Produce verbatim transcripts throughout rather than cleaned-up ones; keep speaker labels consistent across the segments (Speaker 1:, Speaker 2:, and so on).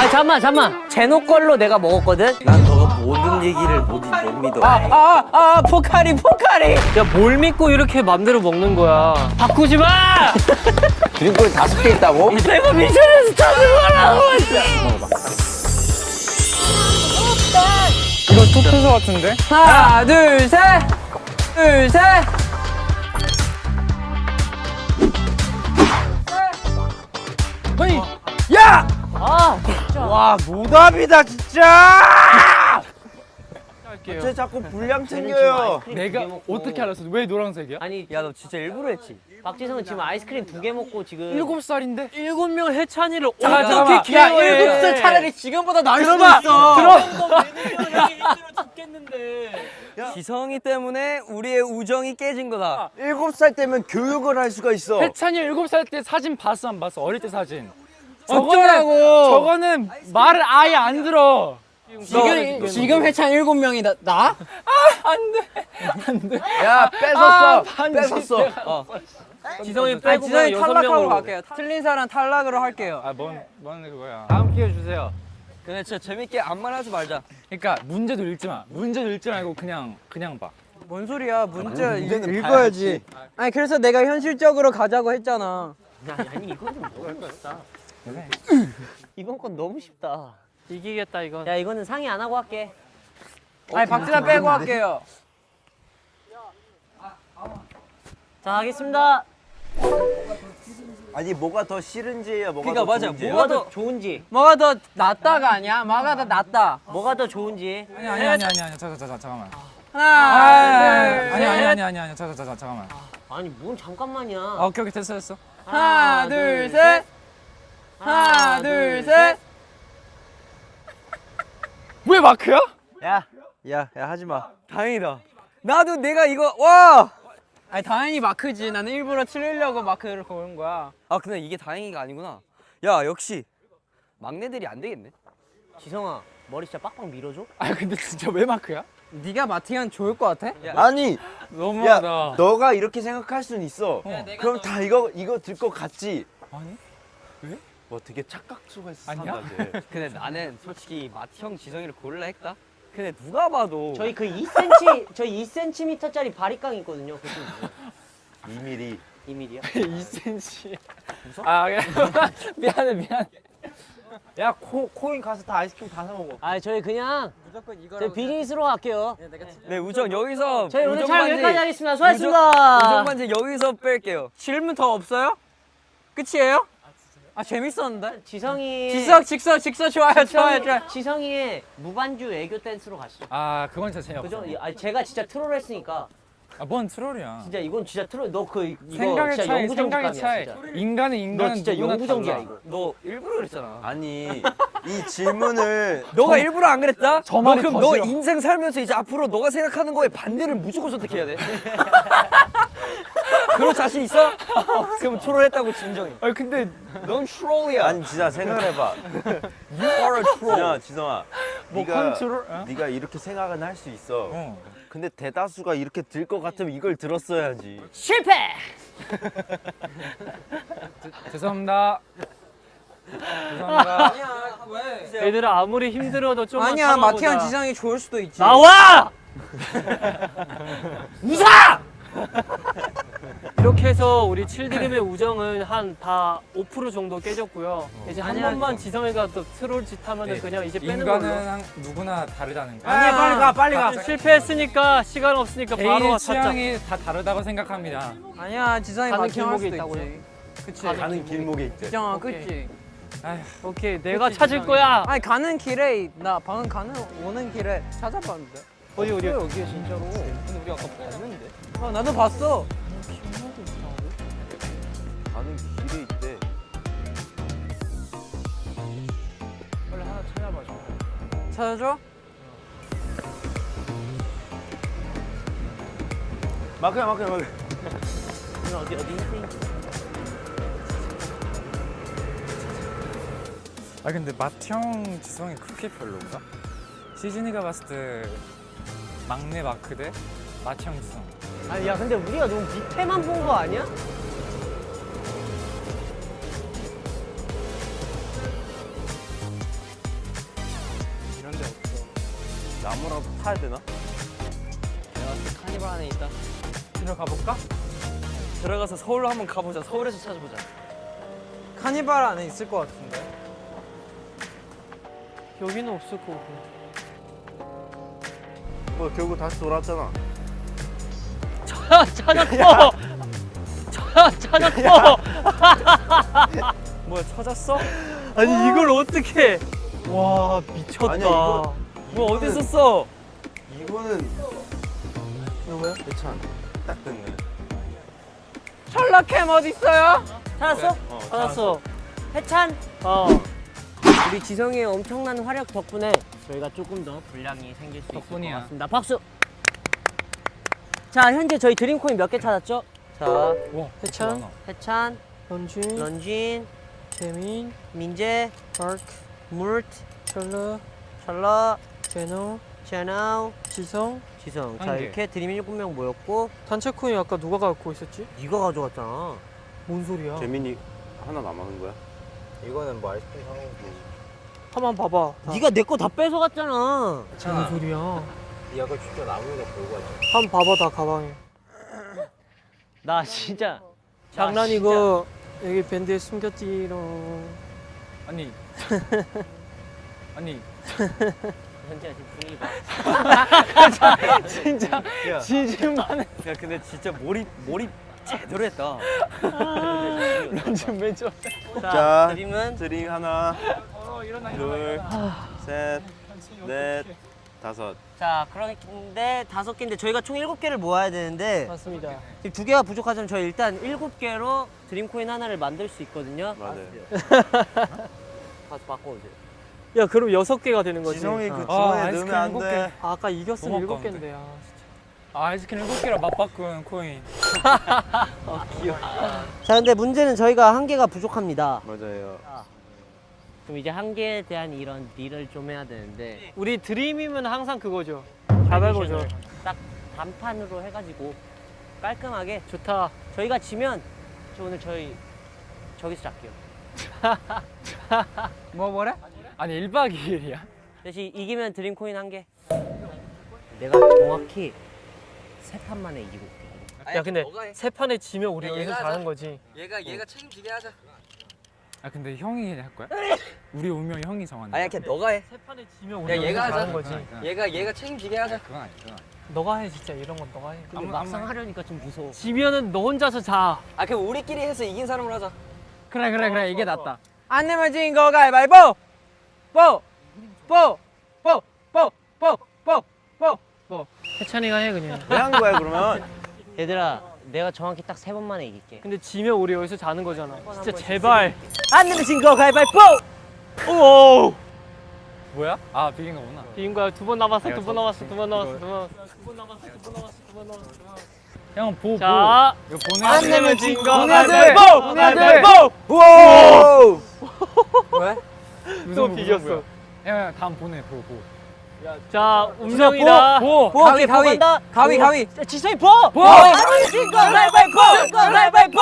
Speaker 1: 아 잠만 잠만. 제노 걸로 내가 먹었거든.
Speaker 2: 난 너가 모든 얘기를 못, 못 믿어.
Speaker 1: 아아아 아, 아, 포카리 포카리. 야 뭘 믿고 이렇게 맘대로 먹는 거야. 바꾸지 마.
Speaker 2: 드림골 다섯 개 있다고?
Speaker 1: 내가 미션에서 찾으라고.
Speaker 3: 이거 토표소 같은데?
Speaker 1: 하나 둘 셋. 둘 셋.
Speaker 3: 아니, 야!
Speaker 1: 아 진짜.
Speaker 2: 와 노답이다 진짜!
Speaker 3: 할게요.
Speaker 2: 쟤 자꾸 분량 챙겨요.
Speaker 3: 내가 어떻게 알았어? 왜 노란색이야?
Speaker 1: 아니 야 너 진짜 일부러 했지. 박지성은 지금 아이스크림 두 개 먹고 지금
Speaker 3: 일곱 살인데?
Speaker 1: 일곱 명 해찬이를
Speaker 3: 잠깐만,
Speaker 1: 어떻게
Speaker 3: 잠깐만.
Speaker 1: 케어해?
Speaker 3: 야, 일곱 살 차라리
Speaker 1: 지금보다 나을
Speaker 3: 들어봐! 들어!
Speaker 1: 지성이 때문에 우리의 우정이 깨진 거다.
Speaker 2: 일곱 살 때면 교육을 할 수가 있어.
Speaker 3: 해찬이 일곱 살 때 사진 봤어 안 봤어? 어릴 때 사진.
Speaker 1: 어쩌라고.
Speaker 3: 저거는 말을 아예 안 들어.
Speaker 1: 지금 지금 해찬 일곱 명이다. 나?
Speaker 2: 야 뺏었어.
Speaker 3: 아, 반지.
Speaker 2: 뺏었어.
Speaker 1: 어. 지성이
Speaker 4: 아니,
Speaker 1: 빼고
Speaker 4: 지성이
Speaker 1: 여섯
Speaker 4: 탈락하고
Speaker 1: 명으로
Speaker 4: 갈게요. 틀린 사람 탈락으로 할게요.
Speaker 3: 아, 뭔, 뭔 그거야.
Speaker 1: 다음 기회 주세요.
Speaker 4: 근데 진짜 재밌게 암만 하지 말자.
Speaker 3: 그러니까 문제도 읽지 마. 문제도 읽지 말고 그냥 그냥 봐.
Speaker 4: 뭔 소리야? 문제
Speaker 2: 문제는
Speaker 4: 읽어야지. 아니 그래서 내가 현실적으로 가자고 했잖아.
Speaker 1: 아니, 아니 이거는 너무 쉽다. 이번 건 너무 쉽다. 이기겠다 이건. 야 이거는 상의 안 하고 할게.
Speaker 4: 아니 박진아 빼고 할게요.
Speaker 1: 자 하겠습니다.
Speaker 2: 아니 뭐가 더 싫은지야 뭐가
Speaker 4: 그러니까
Speaker 2: 더
Speaker 4: 맞아,
Speaker 2: 좋은지야.
Speaker 1: 뭐가 더 좋은지.
Speaker 4: 뭐가 더 낫다가 아니야? 뭐가 더 낫다.
Speaker 1: 뭐가 더 좋은지.
Speaker 3: 아니 아니 아니 아니 아니 잠깐 잠깐 잠깐만.
Speaker 4: 하나, 둘,
Speaker 3: 아니
Speaker 4: 셋.
Speaker 3: 아니 아니 아니 아니 잠깐 잠깐 잠깐만.
Speaker 1: 아니 뭔 잠깐만이야.
Speaker 3: 아, 오케이 오케이 됐어 됐어.
Speaker 4: 하나, 둘, 셋. 하나, 둘, 셋.
Speaker 3: 왜 마크야?
Speaker 2: 야, 야, 야 하지 마.
Speaker 4: 다행이다. 나도 내가 이거 와. 아니 당연히 마크지. 나는 일부러 틀리려고 마크를 고른 거야.
Speaker 2: 아 근데 이게 다행이가 아니구나. 야 역시 막내들이 안 되겠네.
Speaker 1: 지성아 머리 진짜 빡빡 밀어줘.
Speaker 3: 아 근데 진짜 왜 마크야?
Speaker 4: 네가 마티면 좋을 것 같아?
Speaker 2: 아니, 야,
Speaker 3: 너무하다.
Speaker 2: 너가 이렇게 생각할 수는 있어.
Speaker 3: 어.
Speaker 2: 그럼 다 이거 이거 들 것 같지.
Speaker 3: 아니?
Speaker 2: 뭐 되게 착각수가 있어.
Speaker 3: 아니야?
Speaker 4: 근데 나는 솔직히 마티 형 지성이를 고를라 했다. 근데 누가 봐도
Speaker 1: 저희 그 이 센티미터 저희 이 센티미터짜리 바리깡 있거든요. 그게
Speaker 2: 이 밀리.
Speaker 1: 이 밀이야.
Speaker 3: 이 센치. 아 그래. 미안해 미안해.
Speaker 4: 야 코, 코인 가서 다 아이스크림 다 사 먹어.
Speaker 1: 아 저희 그냥
Speaker 4: 무조건 이거라고.
Speaker 1: 저희 비즈니스로 갈게요.
Speaker 4: 네 우정 여기서
Speaker 1: 저희 오늘 촬영
Speaker 4: 우정
Speaker 1: 여기까지
Speaker 4: 반지-
Speaker 1: 하겠습니다.
Speaker 4: 우정
Speaker 1: 수고하셨습니다.
Speaker 4: 반지 여기서 뺄게요. 질문 더 없어요? 끝이에요? 아 재밌었는데?
Speaker 1: 지성이
Speaker 4: 직석 직석 직석 좋아요 좋아요 좋아요.
Speaker 1: 지성이의 무반주 애교 댄스로 가시죠.
Speaker 3: 아 그건 진짜 재미없어.
Speaker 1: 그죠? 아 제가 진짜 트롤 했으니까
Speaker 3: 아뭔 트롤이야.
Speaker 1: 진짜 이건 진짜 트롤. 너 그 이거
Speaker 3: 생각의
Speaker 1: 진짜
Speaker 3: 차이
Speaker 1: 영구정지감이야
Speaker 3: 생각의 차이.
Speaker 1: 진짜.
Speaker 3: 인간은 인간.
Speaker 1: 너 진짜 영구정지야 이거.
Speaker 4: 너 일부러 그랬잖아.
Speaker 2: 아니 이 질문을
Speaker 4: 너가 일부러 안 그랬다?
Speaker 3: 저
Speaker 4: 너
Speaker 3: 말이
Speaker 4: 그럼
Speaker 3: 더
Speaker 4: 너
Speaker 3: 싫어.
Speaker 4: 인생 살면서 이제 앞으로 너가 생각하는 거에 반대를 무조건 선택해야 돼. 그런 자신 있어? 그럼 트롤했다고 진정해.
Speaker 3: 아 근데
Speaker 4: 넌 트롤이야.
Speaker 2: 아니 진짜 생각을 해봐.
Speaker 4: You are a troll.
Speaker 2: 지성아, 지성아.
Speaker 3: 뭐
Speaker 2: 네가
Speaker 3: 컨트롤? 어?
Speaker 2: 네가 이렇게 생각은 할 수 있어.
Speaker 3: 어.
Speaker 2: 근데 대다수가 이렇게 들 것 같으면 이걸 들었어야지.
Speaker 1: 실패.
Speaker 3: 죄송합니다. 죄송합니다.
Speaker 1: 얘들아 아무리 힘들어도 좀만
Speaker 4: 아니야
Speaker 1: 참아보자.
Speaker 4: 마티안 지성이 좋을 수도 있지.
Speaker 1: 나와! 웃어! 이렇게 해서 우리 칠드림의 우정은 한 다 오 퍼센트 정도 깨졌고요. 이제 한
Speaker 4: 아니야,
Speaker 1: 번만 지성이가 또 트롤 짓 하면은 그냥 이제 빼는 걸로.
Speaker 3: 인간은 한- 누구나 다르다는 거.
Speaker 4: 아니야 빨리 가 빨리 가.
Speaker 1: 실패했으니까 시간 없으니까 바로
Speaker 3: 개인의
Speaker 1: 찾자.
Speaker 3: 취향이 다 다르다고 생각합니다.
Speaker 4: 아니야 지성이
Speaker 1: 가는
Speaker 4: 마티안 할
Speaker 1: 길목에
Speaker 4: 수도
Speaker 1: 있다고요?
Speaker 4: 있지. 그치.
Speaker 2: 가는 길목에 있대.
Speaker 4: 지정아
Speaker 1: 오케이.
Speaker 4: 그치.
Speaker 3: 아휴,
Speaker 1: 오케이 내가 찾을 거야.
Speaker 4: 아니 가는 길에 나 방금 가는 오는 길에 찾아봤는데.
Speaker 1: 어디 어디?
Speaker 4: 여기에 진짜로. 근데 우리 아까 봤는데. 어 나도 봤어.
Speaker 2: 가는 길에 있대.
Speaker 1: 빨리 하나 찾아봐줘.
Speaker 4: 찾아줘?
Speaker 2: 마크야 마크야 마크.
Speaker 1: 어디 어디?
Speaker 3: 아 근데 맏형 지성이 그렇게 별로인가? 시즌이가 봤을 때 막내 마크 대 맏형 지성.
Speaker 1: 아니 야 근데 우리가 너무 밑에만 본 거 아니야?
Speaker 5: 나무라도 타야 되나?
Speaker 1: 내가 카니발 안에 있다.
Speaker 3: 들어가 볼까?
Speaker 2: 들어가서 서울로 한번 가보자. 서울에서 찾아보자.
Speaker 4: 카니발 안에 있을 것 같은데.
Speaker 1: 여기는 없을 거고.
Speaker 5: 뭐 결국 다시 돌아왔잖아.
Speaker 1: 아, 찾았어. 찾 찾았어.
Speaker 2: 뭐야 찾았어?
Speaker 1: 아니 이걸 어떻게? 와 미쳤다.
Speaker 5: 아니야, 이거-
Speaker 2: 뭐 어디 있었어?
Speaker 5: 이거는 누구야? 대찬. 딱 됐네.
Speaker 4: 철락캠 어디 있어요?
Speaker 1: 찾았어?
Speaker 5: 어,
Speaker 1: 찾았어. 해찬. 어. 우리 지성이의 엄청난 활약 덕분에 저희가 조금 더 분량이 생길 수 있을 것
Speaker 3: 덕분이야.
Speaker 1: 같습니다. 박수. 자 현재 저희 드림코인 몇 개 찾았죠? 자
Speaker 3: 와,
Speaker 1: 해찬,
Speaker 3: 많아.
Speaker 1: 해찬,
Speaker 4: 런쥔,
Speaker 1: 런쥔,
Speaker 4: 재민,
Speaker 1: 민재,
Speaker 4: 마크,
Speaker 1: 물트,
Speaker 4: 철러,
Speaker 1: 찰라,
Speaker 4: 제노,
Speaker 1: 제나우,
Speaker 4: 지성.
Speaker 1: 지성. 자
Speaker 3: 한 개.
Speaker 1: 이렇게 드림 일곱 명 모였고
Speaker 4: 단체 코인 아까 누가 갖고 있었지?
Speaker 1: 네가 가져갔잖아.
Speaker 4: 뭔 소리야?
Speaker 5: 재민이 하나 남았는 거야? 이거는 뭐 아이스크림 사 먹고.
Speaker 4: 한번 봐봐. 다.
Speaker 1: 네가 내 거 다 뺏어갔잖아.
Speaker 4: 뭔 소리야?
Speaker 5: 네 아까 진짜 나무가 걸고 왔잖아.
Speaker 4: 한번 봐봐 다 가방에.
Speaker 1: 나 진짜
Speaker 4: 장난이고 여기 밴드에 숨겼지롱.
Speaker 3: 아니. 아니.
Speaker 1: 현재야 지금 분위기가
Speaker 4: 진짜
Speaker 2: 야.
Speaker 4: 진심만 해.
Speaker 2: 야 근데 진짜 몰입 몰입 제대로 했다.
Speaker 4: 런쥔 맨 처음.
Speaker 1: 자 드림은
Speaker 5: 드림 하나,
Speaker 3: 어, 일어나
Speaker 5: 둘, 셋, 넷, 다섯.
Speaker 1: 자 그런데 다섯 개인데 저희가 총 일곱 개를 모아야 되는데
Speaker 4: 맞습니다.
Speaker 1: 지금 두 개가 부족하지만 저희 일단 일곱 개로 드림코인 하나를 만들 수 있거든요.
Speaker 5: 맞아요.
Speaker 1: 가서 바꿔오세요.
Speaker 4: 야 그럼 여섯 개가 되는 거지.
Speaker 5: 지성이 그
Speaker 4: 아.
Speaker 5: 주머니에
Speaker 3: 아,
Speaker 5: 넣으면
Speaker 3: 아이스크림
Speaker 5: 안
Speaker 3: 일곱
Speaker 5: 돼.
Speaker 3: 개.
Speaker 4: 아, 아까 이겼으면
Speaker 3: 너무
Speaker 4: 일곱
Speaker 3: 아까운데.
Speaker 4: 개인데. 아,
Speaker 3: 아, 아이스크림 일곱 개랑 맞바꾼 코인.
Speaker 1: 자 근데 문제는 저희가 한 개가 부족합니다.
Speaker 5: 맞아요.
Speaker 1: 그럼 이제 한 개에 대한 이런 딜을 좀 해야 되는데
Speaker 4: 우리 드림이면 항상 그거죠. 자발보죠.
Speaker 1: 딱 단판으로 해가지고 깔끔하게
Speaker 4: 좋다.
Speaker 1: 저희가 지면 저 오늘 저희 저기서 잘게요.
Speaker 4: 뭐 뭐래?
Speaker 3: 아니, 일 박 이 일이야?
Speaker 1: 대신 이기면 드림코인 한 개. 내가 정확히 세 판 만에 이기고 올게.
Speaker 4: 야 근데
Speaker 2: 너가 해.
Speaker 4: 세 판에 지면 우리
Speaker 2: 야,
Speaker 4: 여기서
Speaker 2: 얘가
Speaker 4: 자는
Speaker 2: 하자.
Speaker 4: 거지.
Speaker 2: 얘가 얘가 책임지게 하자.
Speaker 3: 아, 근데 형이 할 거야? 우리 운명 형이 정하는
Speaker 2: 아니야 그냥 너가 해.
Speaker 4: 세 판에 지면
Speaker 2: 야,
Speaker 4: 우리 여기서
Speaker 2: 얘가 하자.
Speaker 4: 자는 거지.
Speaker 3: 그건
Speaker 2: 얘가 얘가 책임지게 하자.
Speaker 3: 그건 아니야, 그건 아니야.
Speaker 4: 너가 해 진짜 이런 건 너가 해.
Speaker 1: 근데
Speaker 3: 아무-
Speaker 1: 막상
Speaker 3: 아무-
Speaker 1: 하려니까 좀 무서워.
Speaker 4: 지면은 너 혼자서 자.
Speaker 2: 아 그럼 우리끼리 해서 이긴 사람으로 하자.
Speaker 4: 그래 그래 그래 이게 낫다. 안 내면 진 거 가위바위보. 뽀. 뽀. 뽀. 뽀. 뽀. 뽀. 뽀. 뽀. 해찬이가 해 그냥.
Speaker 5: 왜 한 거야 그러면?
Speaker 1: 얘들아 내가 정확히 딱 세 번 만에 이길게.
Speaker 4: 근데 지면 우리 여기서 자는 거잖아. 진짜 제발.
Speaker 1: 안 내면 진 거 가위바위보!
Speaker 4: 오.
Speaker 3: 뭐야? 아, 비긴 거구나.
Speaker 4: 비인 거야. 두 번 남았어.
Speaker 3: 내가
Speaker 4: 두 번
Speaker 3: 저-
Speaker 4: 남았어. 두 번 남았어.
Speaker 3: 이거-
Speaker 4: 두 번 남았어. 두 번 남았어. 두 번 남았어. 두 번 남았어.
Speaker 3: 형, 보,
Speaker 4: 자.
Speaker 3: 보. 이거 보내야
Speaker 4: 안
Speaker 3: 돼.
Speaker 4: 내면 진 거
Speaker 3: 보내야 돼.
Speaker 4: 가위바위보.
Speaker 3: 보내야 돼.
Speaker 4: 가위바위보.
Speaker 5: 우와!
Speaker 2: 왜?
Speaker 3: 무슨
Speaker 4: 또
Speaker 3: 보,
Speaker 4: 비겼어.
Speaker 3: 무슨 보야? 형, 형, 다음 보내, 보, 보.
Speaker 4: 자 운명이다.
Speaker 3: 보!
Speaker 1: 보!
Speaker 2: 가위, 가위.
Speaker 1: 간다.
Speaker 2: 가위,
Speaker 1: 보.
Speaker 2: 가위.
Speaker 1: 자, 지성이 보!
Speaker 3: 보!
Speaker 1: 안 내면 진 거 가위바위보! 가위바위보!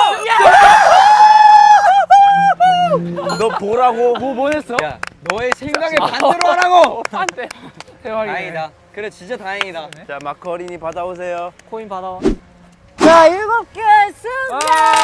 Speaker 5: 너 보라고.
Speaker 3: 뭐 보냈어?
Speaker 2: 야 너의 생각에 반대로 하라고.
Speaker 4: 안돼.
Speaker 3: 대박이네.
Speaker 2: 다행이다. 그래 진짜 다행이다.
Speaker 5: 자 마크 어린이 받아오세요.
Speaker 4: 코인 받아와.
Speaker 1: 자 일곱 개 승!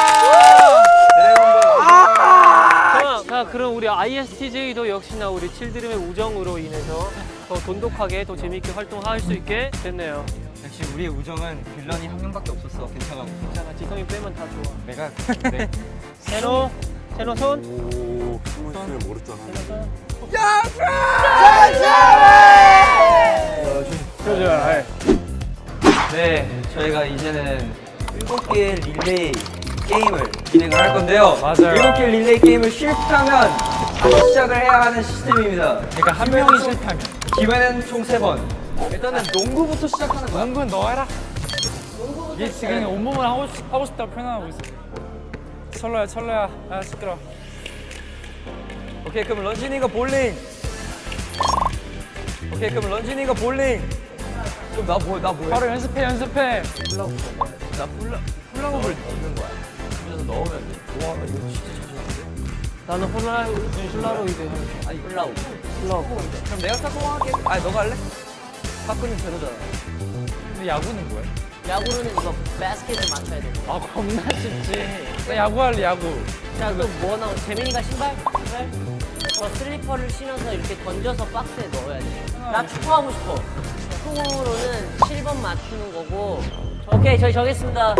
Speaker 5: 드래곤볼.
Speaker 4: 자, 자 그럼 우리 아이에스티제이도 역시나 우리 칠드림의 우정으로 인해서 더 돈독하게 더 재밌게 활동할 수 있게 됐네요.
Speaker 2: 역시 우리의 우정은 빌런이 한 명밖에 없었어. 괜찮아.
Speaker 4: 괜찮아. 지성이 빼면 다 좋아.
Speaker 3: 내가, 네.
Speaker 4: 세노. 세노 손.
Speaker 5: 오, 숨을 쉬면 모르잖아.
Speaker 2: 네, 저희가 이제는 일곱 개의 릴레이 게임을 진행을 할 건데요.
Speaker 3: 맞아요.
Speaker 2: 일곱 개 릴레이 게임을 실패하면 다시 시작을 해야 하는 시스템입니다.
Speaker 3: 그러니까 한 명이 실패하면.
Speaker 2: 기회는 총 세 번. 일단은 농구부터 시작하는 거야.
Speaker 3: 농구는 너 해라. 얘 지금 온몸을 하고, 싶, 하고 싶다고 표현하고 있어. 철러야, 철러야. 아, 시끄러.
Speaker 2: 오케이, 그럼 런쥔이가 볼링. 오케이, 그럼 런쥔이가 볼링. 그럼 나 뭐, 나 뭐해?
Speaker 3: 바로 연습해, 연습해.
Speaker 2: 나 훌라, 훌라후프를 넣는 거야. 그래서 넣으면 돼. 와, 이거 진짜 잘하는데?
Speaker 4: 나는 홀라 훌라로이드.
Speaker 2: 아니, 훌라후프.
Speaker 4: 훌라고.
Speaker 2: 그럼 내가 스타트 할게. 아니, 너가 할래? 탁구는 제로잖아.
Speaker 3: 근데 야구는 뭐야?
Speaker 1: 야구로는 이거 바스켓을 맞춰야 돼.
Speaker 3: 아 겁나 쉽지. 나 야구 할래 야구.
Speaker 1: 자, 또 뭐 나오? 재민이가 신발? 신발? 저 슬리퍼를 신어서 이렇게 던져서 박스에 넣어야 돼. 나 축구하고 싶어. 축구공으로는 칠 번 맞추는 거고. 오케이, 저희 정했습니다.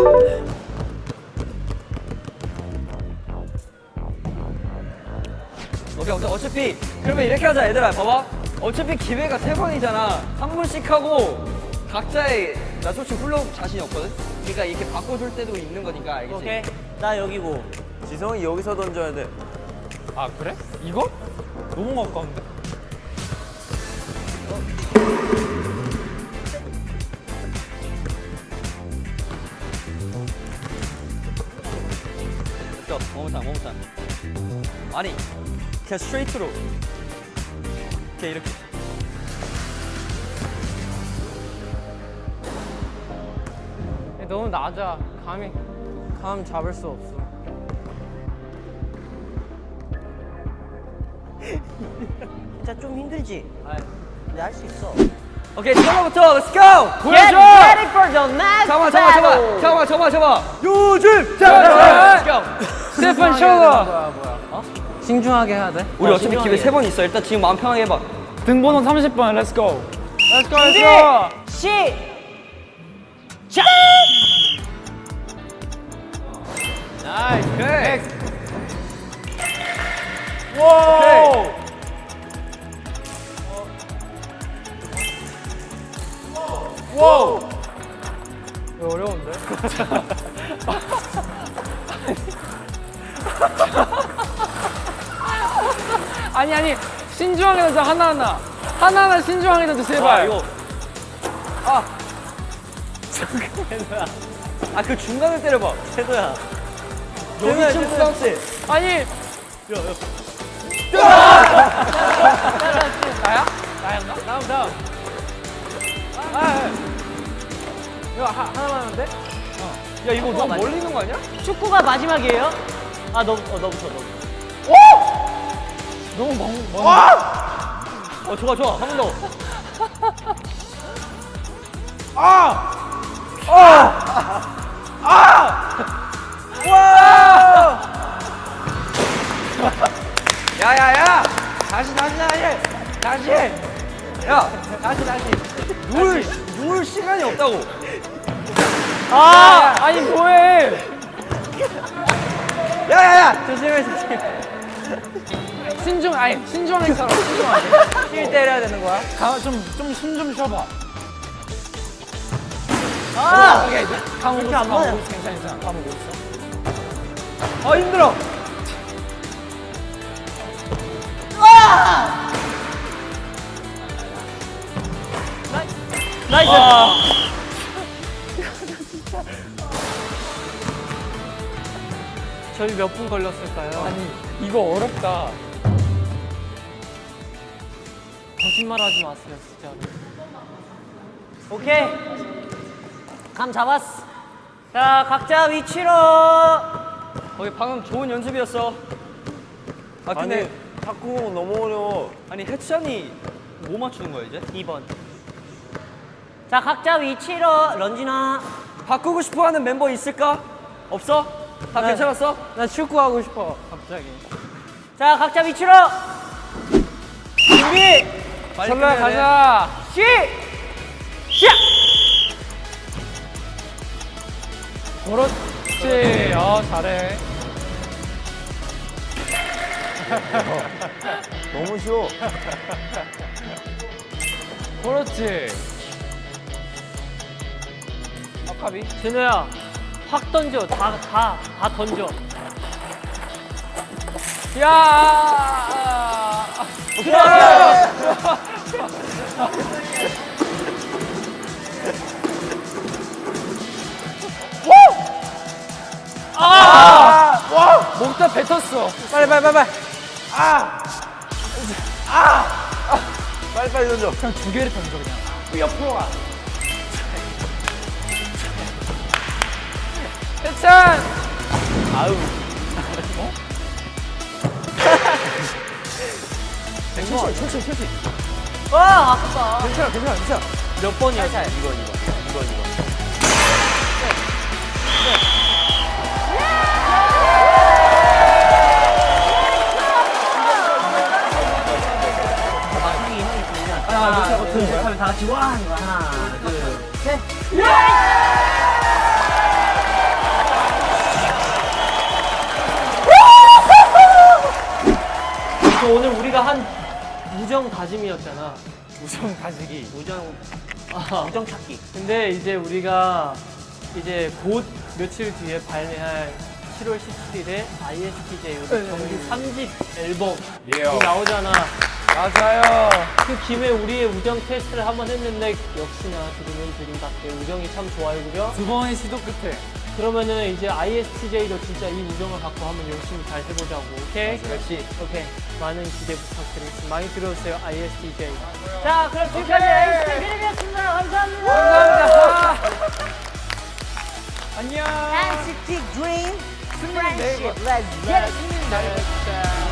Speaker 2: 오케이, 어차- 어차피 그러면 이렇게 하자 얘들아. 봐봐. 어차피 기회가 세 번이잖아. 한 번씩 하고 각자의 나 솔직히 훌라후프 자신이 없거든. 그러니까 이렇게 바꿔줄 때도 있는 거니까 알겠지?
Speaker 1: 오케이, 나 여기고.
Speaker 5: 지성이 여기서 던져야 돼.
Speaker 3: 아 그래? 이거? 너무 가까운데?
Speaker 2: 됐어. 머무탄 머무탄. 아니 그냥 스트레이트로. 오케이 이렇게.
Speaker 4: 너무 낮아. 감이 감 잡을 수 없어.
Speaker 1: 진짜 좀 힘들지? 근데 할 수 있어.
Speaker 2: 오케이 처음부터 렛츠 고!
Speaker 1: Get ready for the next
Speaker 2: 잠깐만 잠깐만
Speaker 1: battle.
Speaker 2: 잠깐만 잠깐만 잠깐만 요즘 자 렛츠 고!
Speaker 3: 스테판 셔거.
Speaker 4: 신중하게 해야 돼.
Speaker 2: 우리
Speaker 1: 어,
Speaker 2: 어차피
Speaker 1: 신중하게.
Speaker 2: 기회 세 번 있어. 일단 지금 마음 편하게 해봐.
Speaker 3: 등번호 삼십 번 렛츠고.
Speaker 4: Let's go,
Speaker 1: 준비!
Speaker 4: let's go.
Speaker 1: 시작!
Speaker 4: 나이스.
Speaker 2: 오케이.
Speaker 3: 오. 오.
Speaker 4: 이거 어려운데? 아니 아니 신중하게 던져 하나하나 하나하나 신중하게 던져
Speaker 2: 아
Speaker 4: 제발.
Speaker 2: 이거 아 그 중간에 때려봐.
Speaker 1: 태도야.
Speaker 2: 여기 좀 부담세.
Speaker 4: 아니 나야? 나였나? 다음 다음. 아, 아. 이거 하, 하나만 하면 돼?
Speaker 2: 야 이거 너무
Speaker 1: 맞아.
Speaker 2: 멀리 있는 거 아니야?
Speaker 1: 축구가 마지막이에요? 아, 너, 어, 너부터, 너부터.
Speaker 4: 너무 먼, 먼.
Speaker 2: 어 좋아 좋아 한 번 더. 야야야 다시 다시 다시 다시 야 다시 다시 누울 누울 시간이 없다고.
Speaker 4: 아, 아니 뭐해?
Speaker 2: 야야야
Speaker 4: 조심해 조심해. 신중 아니 신중하게 살아 신중하게.
Speaker 2: 힐 때려야 되는 거야?
Speaker 3: 좀좀 숨 좀 쉬어봐.
Speaker 1: 아!
Speaker 3: 오케이. 감 오고
Speaker 1: 이렇게
Speaker 3: 있어.
Speaker 1: 안
Speaker 3: 감
Speaker 1: 맞아.
Speaker 3: 오고 있어. 괜찮아 괜찮아. 감 오고 있어.
Speaker 2: 아 힘들어.
Speaker 1: 나이스!
Speaker 4: 저희 몇 분 걸렸을까요?
Speaker 3: 아니 이거 어렵다.
Speaker 4: 거짓말하지 마세요 진짜.
Speaker 1: 오케이. 감 잡았어. 자, 각자 위치로.
Speaker 2: 거기 방금 좋은 연습이었어. 아 근데
Speaker 5: 아니 탁구공 너무 어려워.
Speaker 2: 아니 해찬이 뭐 맞추는 거야 이제?
Speaker 1: 이 번. 자, 각자 위치로. 런쥔아.
Speaker 2: 바꾸고 싶어하는 멤버 있을까? 없어? 다
Speaker 4: 네.
Speaker 2: 괜찮았어?
Speaker 4: 나 축구 하고 싶어 갑자기.
Speaker 1: 자, 각자 위치로. 준비!
Speaker 2: 빨리
Speaker 4: 설라
Speaker 2: 끝내야 돼.
Speaker 4: 가자.
Speaker 1: 시! 시작!
Speaker 3: 그렇지. 어 잘해.
Speaker 5: 너무 쉬워.
Speaker 3: 그렇지. 아카비.
Speaker 1: 진우야, 확 던져. 다, 다, 다 던져.
Speaker 3: 야. 아! 목다 뱉었어.
Speaker 4: 빨리 빨리 빨리 빨리.
Speaker 5: 빨리 빨리 던져.
Speaker 3: 그냥 두 개를 던져 그냥. 옆으로 가.
Speaker 4: 해찬.
Speaker 5: 아유.
Speaker 2: 천천히 천천히 천천히.
Speaker 1: 와 아깝다.
Speaker 2: 괜찮아, 괜찮아, 괜찮아.
Speaker 1: 몇 번이었어?
Speaker 2: 이거, 이거, 이거, 이거.
Speaker 1: 형이 형이 들면
Speaker 2: 아,
Speaker 1: 하나
Speaker 2: 못
Speaker 1: 둘
Speaker 2: 참아,
Speaker 1: 셋 하면 다 같이 와 하는 거야. 하나 둘 셋. 그 오늘 우리가 한 우정 다짐이었잖아.
Speaker 3: 우정 다지기.
Speaker 1: 우정 아, 우정 찾기. 근데 이제 우리가 이제 곧 며칠 뒤에 발매할 칠월 십칠일에 아이에스티제이 정규 삼 집 앨범이
Speaker 3: 예요.
Speaker 1: 나오잖아.
Speaker 3: 맞아요.
Speaker 1: 그 김에 우리의 우정 테스트를 한번 했는데 역시나 드림은 드림답게 우정이 참 좋아요, 그죠?
Speaker 3: 두 번의 시도 끝에.
Speaker 1: 그러면은 이제 아이에스티제이도 진짜 이 우정을 갖고 한번 열심히 잘 해보자고. 오케이?
Speaker 3: 맞아요.
Speaker 1: 역시. 오케이. 많은 기대 부탁드리겠습니다. 많이 들어주세요, 아이에스티제이. 자, 그럼 지금까지 에이스티 드림이었습니다. 감사합니다.
Speaker 2: 감사합니다. 안녕.
Speaker 1: 엔시티 드림
Speaker 2: 승리는 내일 봐.
Speaker 1: Let's get it.